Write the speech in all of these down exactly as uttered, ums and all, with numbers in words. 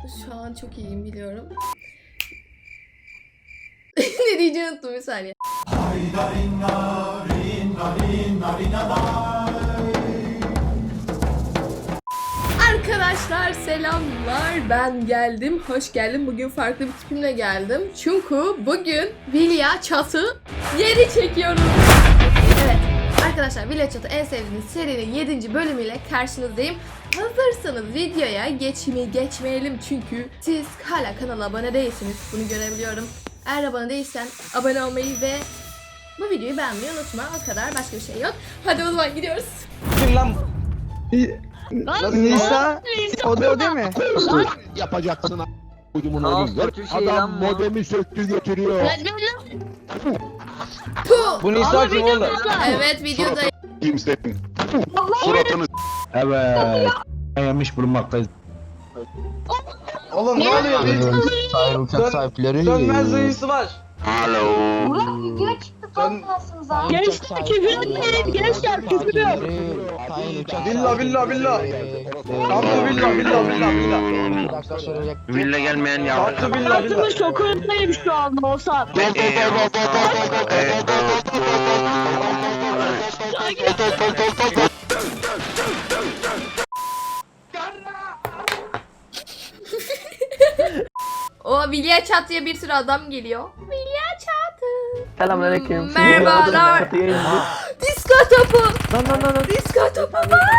Şu an çok iyiyim biliyorum. Ne diyeceğimi unuttum bir saniye. Arkadaşlar selamlar, ben geldim, hoş geldim. Bugün farklı bir tipimle geldim. Çünkü bugün Vilya Çatı yeri çekiyorum. Evet arkadaşlar, Vilya Çatı en sevdiğiniz serinin yedinci bölümüyle karşınızdayım. Hazırsanız videoya geçmeyi geçmeyelim çünkü siz hala kanala abone değilsiniz. Bunu görebiliyorum. Eğer abone değilsen abone olmayı ve bu videoyu beğenmeyi unutma. O kadar, başka bir şey yok. Hadi o zaman gidiyoruz. Kim lan? Nisa, o da o değil mi? Yapacaksın a**. Kaos kötü şey lan Adam bu. modemi söktü götürüyor. Puh! Bu Nisa kim oğlum? Evet videoda. Kimsenin. Suratını Evet. Yemiş bulunmaktayız. Oğlum ne oluyor? Bir Sahip uçak sahipleri. sönmez duyusu var. Alo. Sön... Gençler küfür etmeyin, gençler küfür yok. Villa villa villa. Tatlı villa villa villa villa. Villa gelmeyen ya. Tatlı villa villa. Hayatımın şokundayım şu anda olsa. O Vilya Çatı'ya bir sürü adam geliyor. Vilya Çatı. Selamünaleyküm. Merhabalar. Disko topu. Lan lan lan. Disko topu.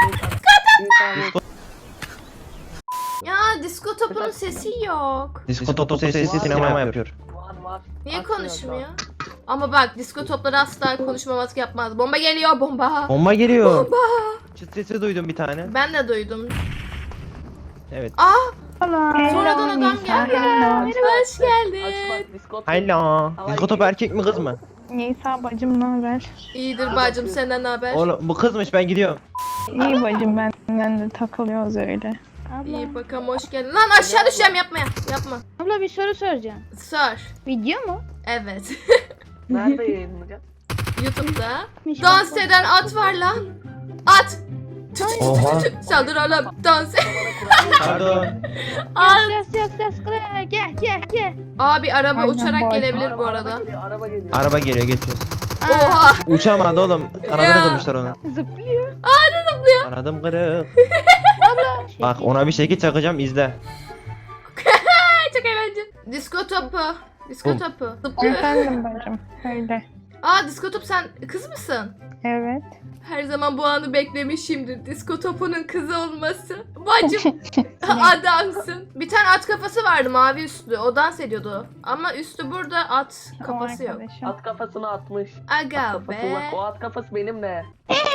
Ya disko topunun sesi yok. Disko topu sesi sinema yapıyor. Var var. Niye Açmıyor konuşmuyor? Ama bak disko topları asla konuşmaması yapmaz. Bomba geliyor, bomba. Bomba geliyor. Bomba. Çıt sesi duydum bir tane. Ben de duydum. Evet. Aa, sonradan adam geldi. Hoş geldin. Açma diskot. Hayla. Disko topu erkek mi kız mı? Nisa bacım ne haber? İyidir bacım, senden ne haber? Oğlum bu kızmış, ben gidiyorum. İyi bacım, benden de takılıyoruz öyle. İyi bakalım, hoş geldin. Lan aşağı düşeceğim, yapma ya. Yapma. Abla bir soru soracağım. Sor. Video mu? Evet. Nerede yayınlanacak? YouTube'da. Dans eden at var lan. At. Tü tü tü Oha. tü tü. Saldır oğlum. Dans. Pardon. At. Ses yok ses kırık. Gel gel gel. Abi araba Aynen, uçarak boy. gelebilir bu arada. Araba geliyor, araba geliyor. Araba geliyor, geçiyor. Oha. Uçamadı oğlum. Ya. Kanadını kırmışlar onu. Zıplıyor. Kanadım kırık. Bak ona bir şekil çakacağım, izle. Çok eğlenceli. Disko topu. Disko Bum. topu. Zıplıyor. Efendim bacım. Öyle. Aa disko top, sen kız mısın? Evet. Her zaman bu anı beklemişimdir. Disko topunun kızı olması. Bacım adamsın. Bir tane at kafası vardı mavi üstlü. O dans ediyordu. Ama üstü burada, at kafası O yok. arkadaşım. At kafasını atmış. Aga Kafası be. bak, o at kafası benim de.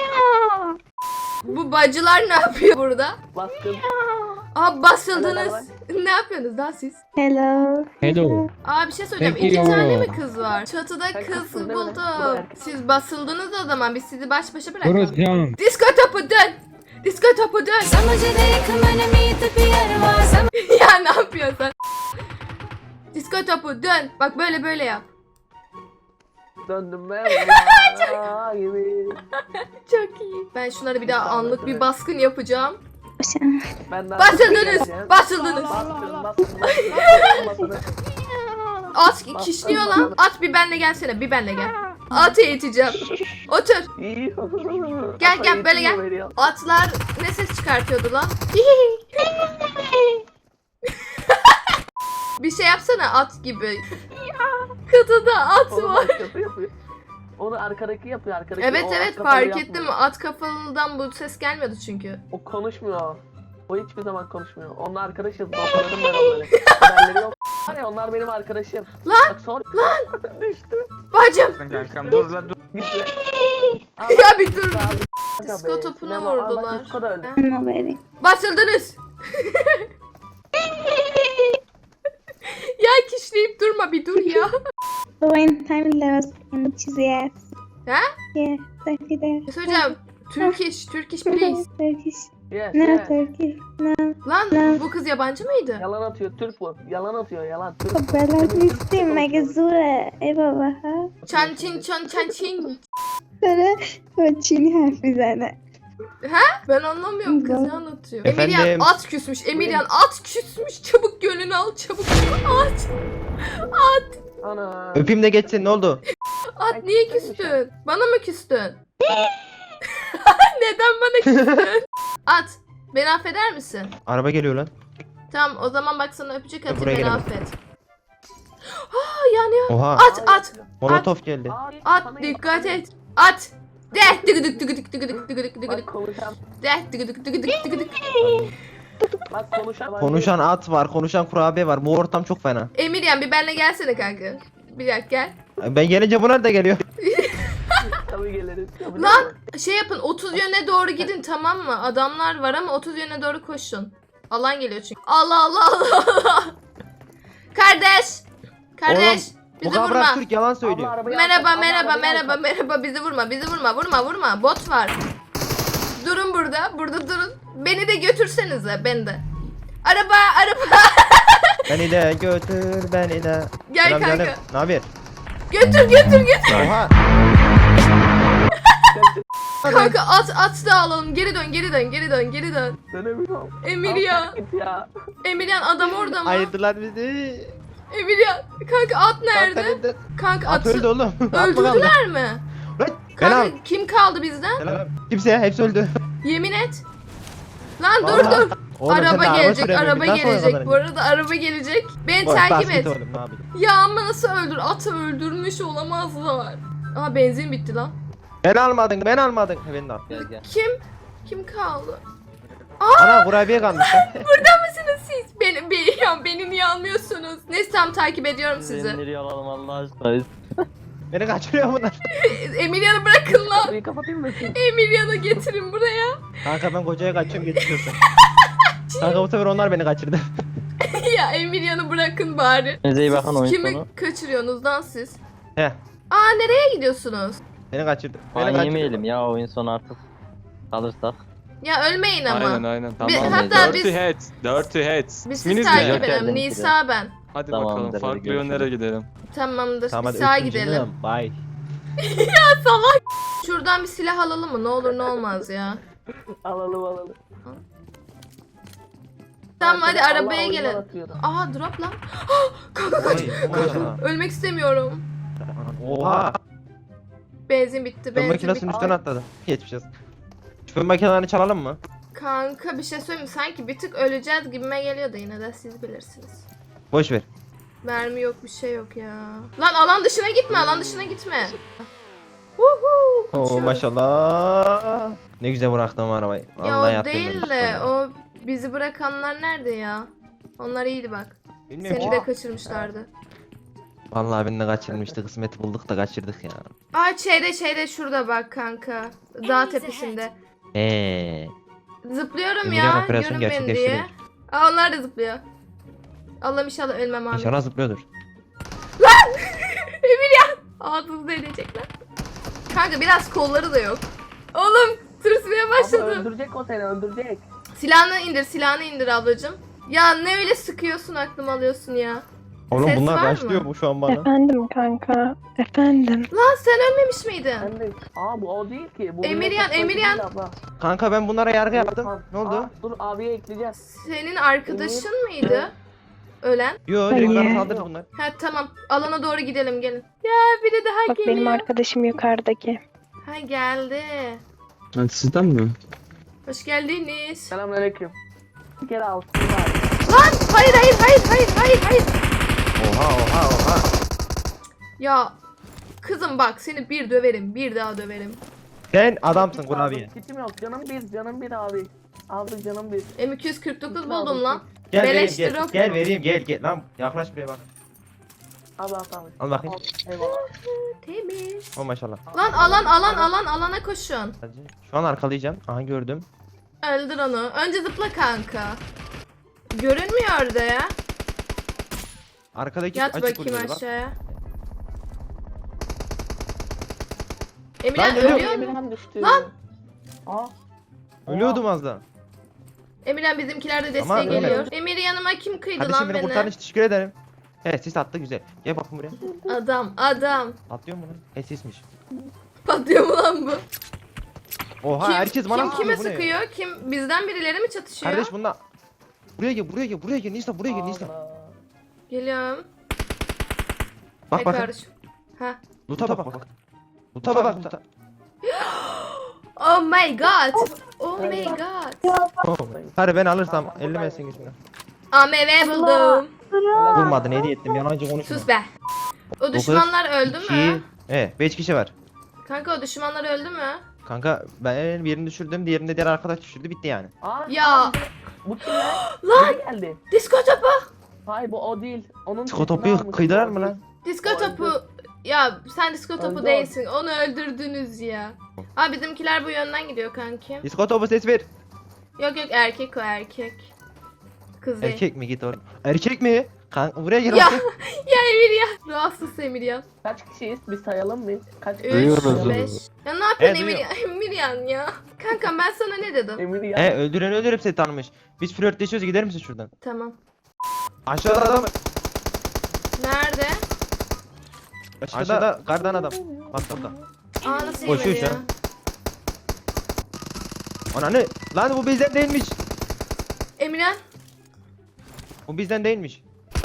Bu bacılar ne yapıyor burada? Baskın. Aa basıldınız. Ne yapıyorsunuz daha siz? Hello. Hello. Aa bir şey söyleyeceğim. Thank İki you. tane mi kız var? Çatıda Sen kız kızsın değil mi? Bu da buldum. erkek. Siz basıldınız o zaman. Biz sizi baş başa bırakalım. Canım. Disko topu dön. Disko topu dön. Ya ne yapıyorsun sen? Disko topu dön. Bak böyle böyle yap. Döndüm ben. Aa, gibi. Çok iyi. Ben şunları bir daha anlık bir baskın yapacağım. Ben daha Basıldınız. Basıldınız. Bastın, bastın, bastın, bastın. At kişniyor lan. At bir benle gelsene. Bir benle gel. Atı eğiteceğim. Otur. İyi. Gel, gel, böyle gel. Veriyor. Atlar ne ses çıkartıyordu lan? Bir şey yapsana at gibi. Kutuda at Onu var. başkası yapıyor. Onu arkadaki yapıyor, arkadaki. Evet O evet at kafalı fark yapmıyor. ettim. At kafalıdan bu ses gelmiyordu çünkü. O konuşmuyor. O hiçbir zaman konuşmuyor. Onunla arkadaşız. Dostlarım ben onları. Haberleri yok. Var ya, onlar benim arkadaşım. Lan! Bak sor. Lan! Düştü. Bacım. Kankam dur la dur. Gitti. Ya bir dur. Abi, Disko be, topuna sinema. Aa, bak, vurdular. disko da öldü. Basıldınız. Ya kişneyip durma, bir dur ya. When time lost and yes. Ha? Yeah, thirty there. Ne söyleyeceğim? Turkish, Turkish please. Turkish. Yes, No yes. Turkish. No. Lan bu kız yabancı mıydı? Yalan atıyor. Türk bu. Yalan atıyor. Yalan. Türk. Belarus'ta Megazura. Eyvallah ha. Çan çin çan çan çin. Sonra o Çin harfi zaten. Ben anlamıyorum, kız ne anlatıyor? Efendim? Emiryan at küsmüş, Emiryan at küsmüş. Çabuk gönlünü al, çabuk. At, Ana. Öpeyim de geçsin, ne oldu? at niye küstün? Bana mı küstün? Neden bana küstün? At, beni affeder misin? Araba geliyor lan. Tamam, o zaman bak sana öpücük atayım, buraya beni gelemem. affet. Aa yanıyor. Oha. At, at, Molotof geldi. Abi, at, sana dikkat yapma. et. At. Deh, dıgı dık dıgı dık dıgı dık dıgı dık dıgı Bak dık. konuşan. Deh, dıgı dık dıgı dık dıgı dık. Bak konuşan. Konuşan at var, konuşan kurabiye var. Bu ortam çok fena. Emiryan bir benle gelsene kanka. Bir dakika gel. Ben gelince bunlar da geliyor. Tabii geliriz. Tabii Lan geliriz. şey yapın, otuz yöne doğru gidin, tamam mı? Adamlar var ama otuz yöne doğru koşun. Alan geliyor çünkü. Allah Allah Allah Allah. Kardeş. Kardeş. Bu bizi kabrak vurma. Türk yalan Abla söylüyor. arabayı Merhaba alsana, merhaba arabayı merhaba alsana. merhaba bizi vurma bizi vurma vurma vurma bot var. Durun burada burada durun. Beni de götürsenize, beni de. Araba araba. Beni de götür, beni de. Gel Selam kanka. canım. Ne haber? Götür götür götür. Oha. Kanka at at da alalım. Geri dön geri dön geri dön geri dön. Dönemiyorum. Emiryan. Al, git ya. Emiryan adam orada mı? Ayırdılar bizi. Emiryan. Kanka at nerede? Nerede? Kanka At atı öldü oğlum. At mı kaldı? öldürdüler mi? Lan, Ben al. Kanka kim kaldı bizden? Selam. Kimse, hepsi öldü. Yemin et. Lan dur Vallahi. dur. Oğlum sen de araba gelecek, süremiyorsun. araba Nasıl gelecek. oynadın? Bu arada araba gelecek. Beni Boş, takip basket et. oğlum, ne yapayım? Ya ama nasıl öldür? Atı öldürmüş olamazlar. Aa benzin bitti lan. Ben almadın, ben almadın. He, ben de al. Kim? Kim kaldı? Ana kurabiye kalmış. Burada mısınız siz? Beni, beni, ya beni niye almıyorsunuz? Neyse tam takip ediyorum sizi. Nereye alalım Allah aşkına? Beni kaçırıyor bunlar. Emiryan'ı bırakın lan. Kapıyı kapatayım mı? Emiryan'ı getirin buraya. Kanka ben kocaya kaçıyorum, getiriyorsun. Kanka bu sefer onlar beni kaçırdı. Ya Emiryan'ı bırakın bari. Neyse iyi bakın Siz oyun kimi sonu. kaçırıyorsunuz lan siz? He. Aa nereye gidiyorsunuz? Beni kaçırdı. Beni Ban kaçırdı. yemeyelim ya oyun sonu artık. Kalırsak. Ya ölmeyin ama. Aynen aynen Bir- tamam. hatta Dirty biz- Heads. Dirty Heads. Biz İsminiz sizi ne? takip Joker edelim. demek ki de. Nisa ben. Hadi Tamam, bakalım hadi farklı görüşürüz. yönlere gidelim. Tamamdır. Tamam bir hadi sağa öptüm gidelim. canım. Bye. Şuradan bir silah alalım mı? Ne olur ne olmaz ya. Alalım alalım. Tamam hadi Allah arabaya oyundan gelin. atıyordu. Aha drop lan. Kanka kaç. Oy, maşallah. Ölmek istemiyorum. Oha. Benzin bitti. Fön Benzin makinesinin bitti. üstüne atladı. Geçmiş olsun. Şu fön makinelerini çalalım mı? Kanka bir şey söyleyeyim mi? Sanki bir tık öleceğiz gibime geliyor da yine de siz bilirsiniz. Boş ver. Mermi yok bir şey yok ya. Lan alan dışına gitme, alan dışına gitme. Huhu. Oo uçuyoruz. maşallah. Ne güzel bıraktım arabayı. Ya Vallahi o yaptım değil ben. de o bizi bırakanlar nerede ya? Onlar iyiydi bak. Bilmiyorum Seni ki. de kaçırmışlardı. Vallahi beni de kaçırmıştı. Kısmeti bulduk da kaçırdık ya. Aa şeyde şeyde şurada bak kanka. Dağ tepesinde. Eee. Zıplıyorum Emirhan ya. operasyon Görün beni diye. gerçekleştirir. Aa onlar da zıplıyor. Allah'ım inşallah ölmem abi. İnşallah zıplıyordur. Ağzınızda edecekler. Kanka biraz kolları da yok. Oğlum tırsmaya Abla başladı. öldürecek o seni öldürecek. Silahını indir, silahını indir ablacım. Ya ne öyle sıkıyorsun, aklımı alıyorsun ya. Oğlum Ses bunlar var başlıyor mı? bu şu an bana. Efendim kanka. Efendim. Lan sen ölmemiş miydin? Ben de. Aa bu o değil ki. Bu Emiryan, Millet Partisi Emiryan. değil abla. Kanka ben bunlara yargı yaptım. Aa, Ne oldu? dur abiye ekleyeceğiz. Senin arkadaşın mıydı? Ölen. Yo direkt bana Hayır. saldırdı bunlar. Ha tamam. Alana doğru gidelim gelin. Ya biri daha Bak geliyor. benim arkadaşım yukarıdaki. Ha geldi. Sizden mi? Hoş geldiniz. Selamünaleyküm. Bir kere al. Lan hayır hayır hayır hayır hayır hayır. Oha oha oha. Ya kızım bak seni bir döverim, bir daha döverim. Sen adamsın kurabiye. Kitim yok. Canım bir, canım bir abi. Abi canım bir. M iki yüz kırk dokuz buldum lan. Gel Beleş vereyim gel. drop. Gel vereyim gel gel. Lan yaklaş buraya bak. Abi al abi. Al bakayım. Al, eyvallah. Temiz. O maşallah. Lan alan alan alan alana koşun. Şu an arkalayacağım. Aha gördüm. Öldür onu. Önce zıpla kanka. Görünmüyor orada ya. Arkadaki Yat açık bakayım vuruyor bak. aşağıya. Emirhan Lan geliyor. ölüyor mu? Emirhan düştü. Lan! Aa. Ölüyordum az daha. Emirhan bizimkiler de desteğe Ama öyle. geliyor. Emir yanıma kim kıydı Kardeşim lan beni kurtardın beni? için teşekkür ederim. Evet sis attı güzel. Gel bakın buraya. Adam adam. Atlıyor mu lan? E sismiş. Patlıyor mu lan bu? Oha Kim, herkes bana kim sıkıyor, kime bu ne? sıkıyor? Kim bizden birileri mi çatışıyor? Kardeş bunlar. Buraya gel buraya gel buraya gel Nisa buraya gel Nisa. Allah. Geliyorum. Bak Hey bak. kardeşim. Ha. Loot'a bak bak. Loot'a bak loot'a. Oh my god. Oh my god. Hadi ben alırsam elli mesin gücüne. A M V buldum. Vurmadın hediye ettim yalancı konuşma. Sus be. O düşmanlar öldü mü? Evet beş kişi var. Kanka o düşmanlar öldü mü? Kanka ben birini düşürdüm diğerini de diğer arkadaş düşürdü bitti yani. Aa, Ya. bu kim lan? Lan Biri geldi. disko topu. Hayır bu o değil. Onun Disko sesini topu almış, kıydırar o mı değil. lan? Disko O öldü. topu. Ya sen disko topu Öldü o. değilsin. Onu öldürdünüz ya. Abi bizimkiler bu yönden gidiyor kanki. Disko topu ses ver. Yok yok erkek o erkek. Kız değil. Erkek mi git oğlum? Erkek mi? Kanka buraya gel. Ya. oğlum. Ya Emir ya. Rahatsız Emir ya. Kaç kişiyiz? Bir sayalım mı? Kaç üç, Duyuyoruz. beş. Ya ne yapıyorsun Evet, Emir ya? Emir yan ya. Kankam ben sana ne dedim? Emir ya. He öldüren öldürüp seni tanımış. Biz flörtleşiyoruz gider misin şuradan? Tamam. Aşağıda adam. Nerede? Aşağıda kardan adam. Bak bak. Aa nasıl Koşuyor yemedi şu ya? an. Ananı. Lan bu bizden değilmiş. Emirhan. Bu bizden değilmiş.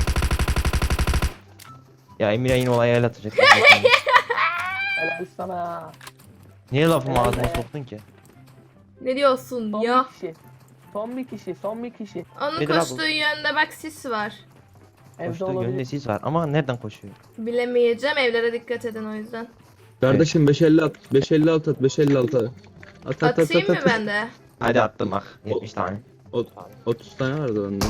Ya Emir'e yine olaya el atacak. Helal sana. Niye lafımı ağzıma soktun ki? Ne diyorsun Son ya? bir kişi. Son bir kişi. Son bir kişi. Onun Nedir abi? koştuğu yönde bak sis var. Evde Koştuğu olabilir. yönde sis var ama nereden koşuyor? Bilemeyeceğim evlere dikkat edin o yüzden. Kardeşim beş elli at. beş elli altı at. beş elli altı at. At at at Atayım at. mı at. ben de? Hadi attım bak. yetmiş tane. Ot- otuz tane vardı bende.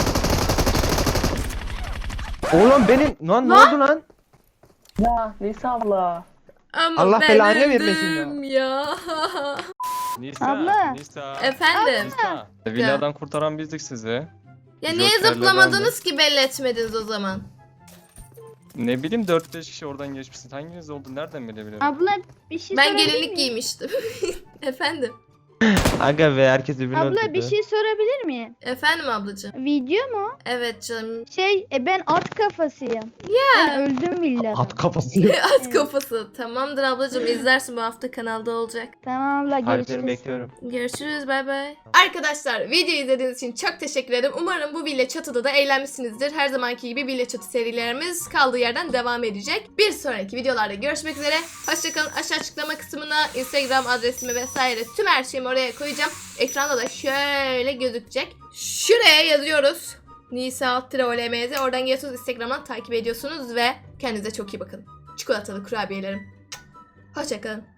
Oğlum benim lan ne Lan! oldu lan? Ya Nisa abla. Ama Allah ben belanı vermesin ya. öldüm ya. Nisa, Abla. Nisa, Efendim? Nisa. Villadan kurtaran bizdik sizi. Ya niye Joker'le zıplamadınız ki belli etmediniz o zaman? Ne bileyim dört beş kişi oradan geçmişsin. Hanginiz oldu? Nereden bilebilirim? Abla bir şey Ben sorabilir gelinlik miyim? giymiştim. Efendim? Aga be herkes birbirini Abla öldürdü. bir şey sorabilir miyim? Efendim ablacığım? Video mu? Evet canım. Şey e, ben at kafasıyım. Ben öldüm villada. At kafası. At kafası. Tamamdır ablacığım izlersin bu hafta kanalda olacak. Tamam abla Harflerini görüşürüz. bekliyorum. Görüşürüz bay bay. Arkadaşlar videoyu izlediğiniz için çok teşekkür ederim. Umarım bu Villa Çatı'da da eğlenmişsinizdir. Her zamanki gibi Villa Çatı serilerimiz kaldığı yerden devam edecek. Bir sonraki videolarda görüşmek üzere. Hoşçakalın. Aşağı açıklama kısmına Instagram adresimi vesaire tüm her şeyimi oraya koyacağım. Ekranda da şöyle gözükecek. Şuraya yazıyoruz. Nisa alt O L M Z. Oradan geliyorsunuz Instagram'dan takip ediyorsunuz ve kendinize çok iyi bakın. Çikolatalı kurabiyelerim. Hoşçakalın.